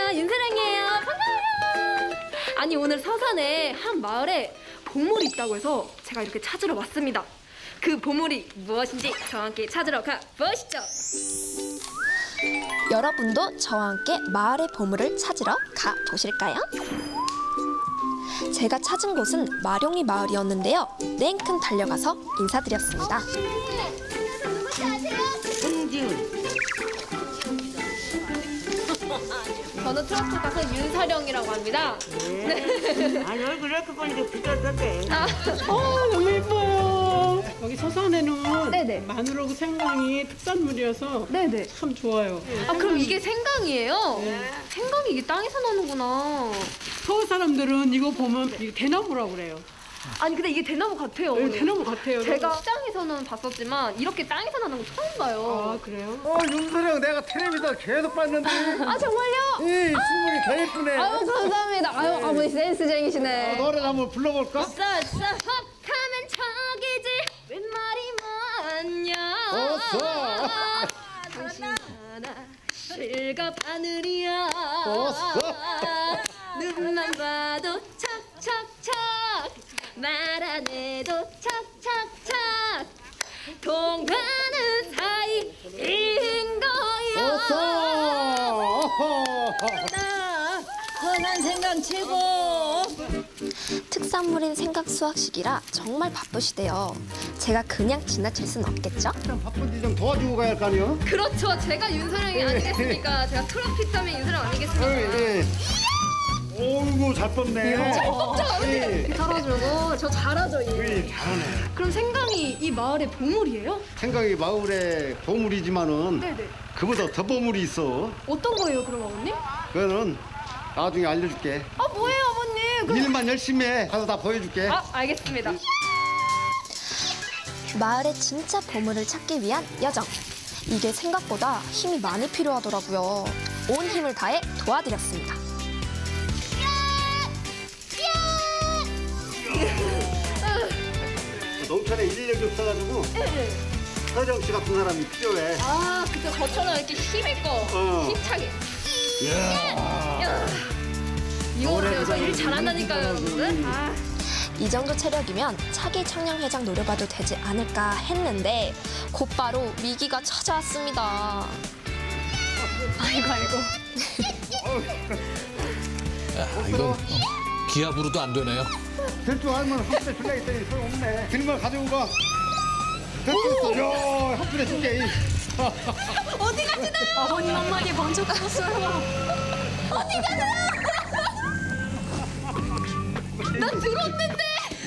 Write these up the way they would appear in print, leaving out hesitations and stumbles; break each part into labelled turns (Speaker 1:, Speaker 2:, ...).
Speaker 1: 안녕하세요. 윤사랑이에요. 반가워요. 아니 오늘 서산에 한 마을에 보물이 있다고 해서 제가 이렇게 찾으러 왔습니다. 그 보물이 무엇인지 저와 함께 찾으러 가보시죠.
Speaker 2: 여러분도 저와 함께 마을의 보물을 찾으러 가보실까요? 제가 찾은 곳은 마룡이 마을이었는데요. 냉큼 달려가서 인사드렸습니다.
Speaker 1: 누군지 아세요?
Speaker 3: 홍지훈.
Speaker 1: 저는 트로트 가수 윤사령이라고 합니다.
Speaker 3: 네. 아니 얼굴 이렇게 보니까 비슷한데.
Speaker 4: 너무 예뻐요. 여기 서산에는
Speaker 1: 네네.
Speaker 4: 마늘하고 생강이 특산물이어서
Speaker 1: 네네.
Speaker 4: 참 좋아요.
Speaker 1: 아 그럼 이게 생강이에요? 생강이 이게 땅에서 나는구나.
Speaker 4: 서울 사람들은 이거 보면 이게 대나무라고 그래요.
Speaker 1: 아니 근데 이게 대나무 같아요.
Speaker 4: 네,
Speaker 1: 어머니.
Speaker 4: 대나무 같아요.
Speaker 1: 제가 시장에서는 봤었지만 이렇게 땅에서 나는 거 처음 봐요.
Speaker 4: 아 그래요?
Speaker 5: 윤서령 내가 텔레비전 계속 봤는데
Speaker 1: 아 정말요?
Speaker 5: 이 신문이 더 예쁘네.
Speaker 1: 아유 감사합니다. 아유 아버지 센스쟁이시네.
Speaker 5: 노래 한번 불러볼까?
Speaker 1: 흡하면 척이지 웬 말이 많냐. 당신 하나 실갑 하늘이야. 눈만 봐도 척척척 말 안 해도 척척척 통하는 사이인 거야.
Speaker 3: 선한 생강 최고.
Speaker 2: 특산물인 생강 수확식이라 정말 바쁘시대요. 제가 그냥 지나칠 순 없겠죠?
Speaker 5: 참 바쁜데 좀 도와주고 가야 할 거 아니요?
Speaker 1: 그렇죠. 제가 윤서령이 아니겠습니까? 제가 트로피타민 윤서령 아니겠습니까?
Speaker 5: 예. 오이고 잘 뽑네.
Speaker 1: 잘하죠. 저 잘하죠. 얘.
Speaker 5: 잘하네.
Speaker 1: 그럼 생강이 이 마을의 보물이에요?
Speaker 5: 생각이 마을의 보물이지만은
Speaker 1: 네네.
Speaker 5: 그보다 더 보물이 있어.
Speaker 1: 어떤 거예요, 그럼 어머님?
Speaker 5: 그거는 나중에 알려줄게.
Speaker 1: 아 뭐예요, 어머님?
Speaker 5: 일만 열심히 해. 가서 다 보여줄게.
Speaker 1: 아 알겠습니다.
Speaker 2: 마을의 진짜 보물을 찾기 위한 여정. 이게 생각보다 힘이 많이 필요하더라고요. 온 힘을 다해 도와드렸습니다.
Speaker 5: 농촌에 인력이 없어가지고 서정 씨 같은 사람이 필요해.
Speaker 1: 아 그때 저처럼 이렇게 힘있고 힘차게. 야. 이거래요. 저 일 잘한다니까요, 여러분들. 아.
Speaker 2: 이 정도 체력이면 차기 청년회장 노려봐도 되지 않을까 했는데 곧바로 위기가 찾아왔습니다.
Speaker 1: 아이고.
Speaker 6: 이건 기압으로도 안 되네요.
Speaker 5: 될 줄 알면 한 푼에 줄라 했더니 소용없네. 들면 가지고 가. 됐어. 야, 한 푼에 줄게.
Speaker 1: 어디 가시나요? 아버님 한마디 먼저 가셨어요. 어디 가세요? 난 들었는데.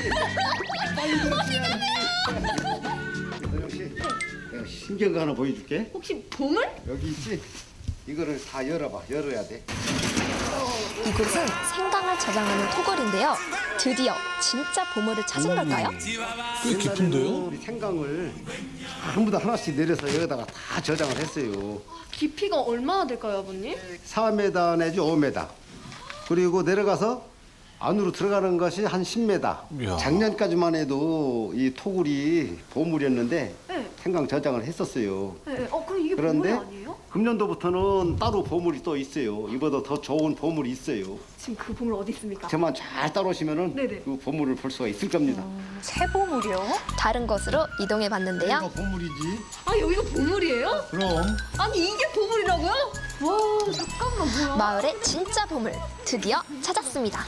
Speaker 1: 어디 가세요?
Speaker 5: 서정 씨, 내가 신기한 거 하나 보여줄게.
Speaker 1: 혹시 보물?
Speaker 5: 여기 있지? 이거를 다 열어봐. 열어야 돼.
Speaker 2: 이곳은 생강을 저장하는 토굴인데요. 드디어 진짜 보물을 찾은 걸까요?
Speaker 6: 꽤 깊은데요?
Speaker 5: 우리 생강을 전부 다 하나씩 내려서 여기다가 다 저장을 했어요.
Speaker 1: 깊이가 얼마나 될까요, 아버님?
Speaker 5: 4m 내지 5m. 그리고 내려가서 안으로 들어가는 것이 한 10m.
Speaker 6: 이야.
Speaker 5: 작년까지만 해도 이 토굴이 보물이었는데
Speaker 1: 네.
Speaker 5: 생강 저장을 했었어요.
Speaker 1: 네. 그럼 이게
Speaker 5: 그런데
Speaker 1: 보물 아니에요?
Speaker 5: 금년도부터는 따로 보물이 또 있어요. 이보다 더 좋은 보물이 있어요.
Speaker 1: 지금 그 보물 어디 있습니까?
Speaker 5: 저만 잘 따라오시면은
Speaker 1: 네네.
Speaker 5: 그 보물을 볼 수가 있을 겁니다.
Speaker 2: 다른 곳으로 이동해
Speaker 5: 이거
Speaker 2: 봤는데요.
Speaker 5: 보물이지.
Speaker 1: 아 여기가 보물이에요?
Speaker 5: 그럼
Speaker 1: 아니 이게 보물이라고요? 와 잠깐만 뭐야?
Speaker 2: 마을의 진짜 보물 드디어 찾았습니다.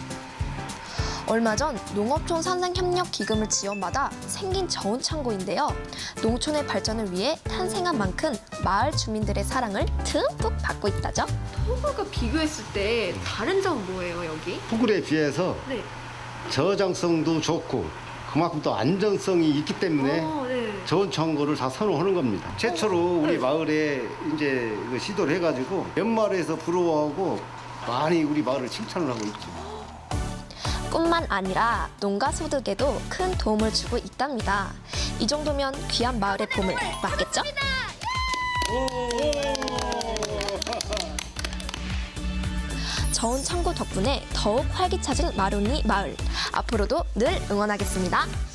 Speaker 2: 얼마 전 농업촌 산생협력 기금을 지원받아 생긴 저온 창고인데요. 농촌의 발전을 위해 탄생한 만큼 마을 주민들의 사랑을 듬뿍 받고 있다죠.
Speaker 1: 토굴과 비교했을 때 다른 점은 뭐예요 여기?
Speaker 5: 토굴에 비해서
Speaker 1: 네.
Speaker 5: 저장성도 좋고 그만큼 또 안정성이 있기 때문에
Speaker 1: 네.
Speaker 5: 좋은 청구를 다 선호하는 겁니다. 최초로 우리 마을에 이제 그 시도를 해가지고 연말에서 부러워하고 많이 우리 마을을 칭찬을 하고 있죠.
Speaker 2: 뿐만 아니라 농가 소득에도 큰 도움을 주고 있답니다. 이 정도면 귀한 마을의 보물 맞겠죠? 저온 창고 덕분에 더욱 활기차진 마룡이 마을. 앞으로도 늘 응원하겠습니다.